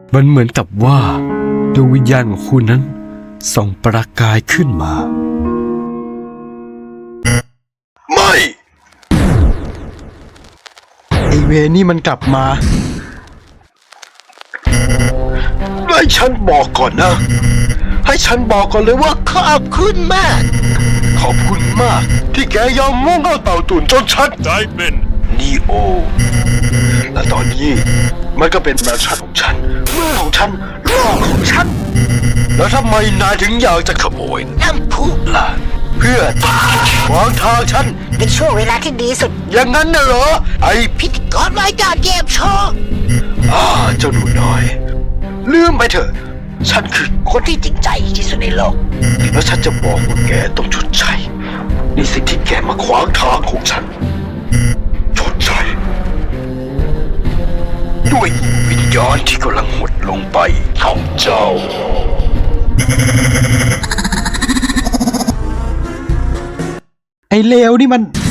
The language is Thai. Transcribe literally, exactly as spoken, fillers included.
มันเหมือนกับว่าดวงวิญญาณของคุณนั้นส่องประกายขึ้นมาไม่ไอเวนี่มันกลับมาให้ฉันบอกก่อนนะ ให้ฉันบอกก่อนเลยว่าขอบคุณมาก ขอบคุณมากที่แกยอมมุ่งเข้าเต่าตุ่นจนฉันได้เป็นนีโอ และตอนนี้มันก็เป็นแมนชั่นของฉันเมืองของฉันโลกของฉัน แล้วทำไมนายถึงอยากจะขโมยน้ำพุล่ะเพื่อขวางทางฉันเป็นช่วงเวลาที่ดีสุดอย่างนั้นน่ะเหรอ ไอ้พิธีกรรายการเกมโชว์อ่าเจ้าหนูน้อย ลืมไปเถอะ ฉันคือคนที่จริงใจที่สุดในโลกแล้วฉันจะบอกว่าแกต้องชดใช้ในสิ่งที่แกมาขวางทางของฉัน ชดใช้ด้วยวิญญาณที่กำลังหดลงไปของเจ้า ไอเลวนี่มัน